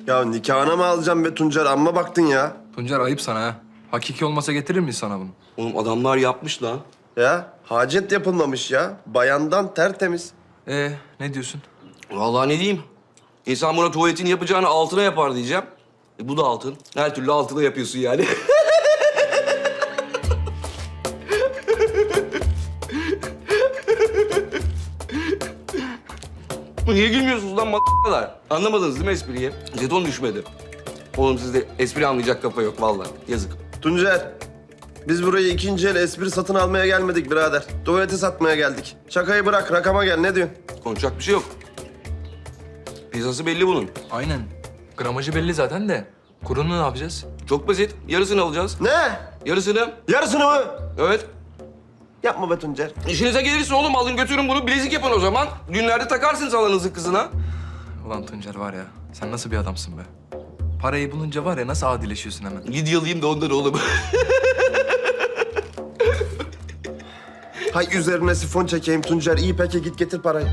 Ya nikahına mı alacağım be Tuncer? Amma baktın ya. Tuncer ayıp sana ha. Hakiki olmasa getirir miyiz sana bunu? Oğlum adamlar yapmış lan. Ya hacet yapılmamış ya. Bayandan tertemiz. Ne diyorsun? Vallahi ne diyeyim? İnsan buna tuvaletini yapacağını altına yapar diyeceğim. Bu da altın. Her türlü altına yapıyorsun yani. Niye gülmüyorsunuz lan kadar? Anlamadınız değil mi espriyi? Jeton düşmedi. Oğlum sizde espri anlayacak kafa yok vallahi. Yazık. Tuncer, biz burayı ikinci el espri satın almaya gelmedik birader. Tuvaleti satmaya geldik. Şakayı bırak, rakama gel. Ne diyorsun? Konuşacak bir şey yok. Piyasası belli bunun. Aynen. Gramajı belli zaten de. Kurunu ne yapacağız? Çok basit. Yarısını alacağız. Ne? Yarısını. Yarısını mı? Evet. Yapma be Tuncer. İşinize gelirse oğlum alın götürün bunu bilezik yapın o zaman. Düğünlerde takarsınız alanınızın kızına. Ulan Tuncer var ya, sen nasıl bir adamsın be? Parayı bulunca var ya, nasıl adileşiyorsun hemen? Lidyalayayım da ondan oğlum. Hay üzerine sifon çekeyim Tuncer. İyi peki git getir parayı.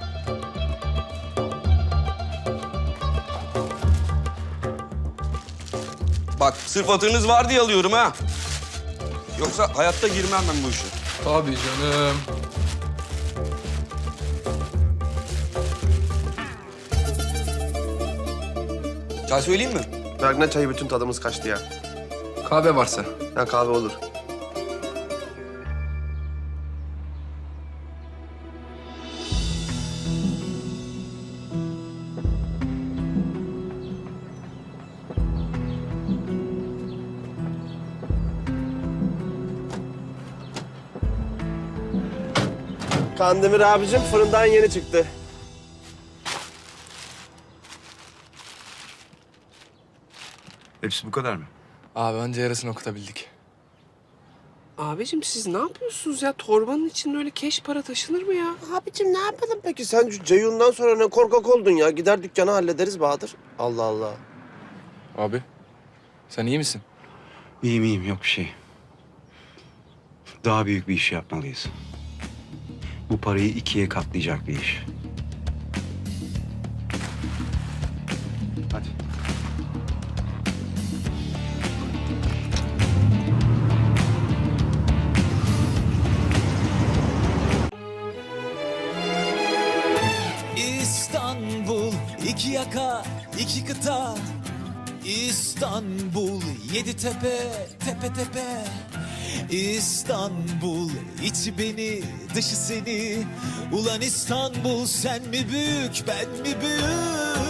Bak sırf hatırınız var diye alıyorum ha. Yoksa hayatta girmem ben bu işe. Tabii canım. Çay söyleyeyim mi? Bergne çayı bütün tadımız kaçtı ya. Kahve varsa. Ha kahve olur. Kandemir abicim fırından yeni çıktı. Hepsi bu kadar mı? Abi önce yarısını okutabildik. Abicim siz ne yapıyorsunuz ya? Torbanın içinde öyle keş para taşınır mı ya? Abicim ne yapalım peki? Sen şu Ceyhun'dan sonra ne korkak oldun ya. Gider dükkanı hallederiz Bahadır. Allah Allah. Abi, sen iyi misin? İyiyim iyiyim yok bir şey. Daha büyük bir iş yapmalıyız. Bu parayı ikiye katlayacak bir iş. Hadi. İstanbul, iki yaka, iki kıta. İstanbul, yedi tepe, tepe tepe. İstanbul, içi beni, dışı seni. Ulan İstanbul, sen mi büyük, ben mi büyük?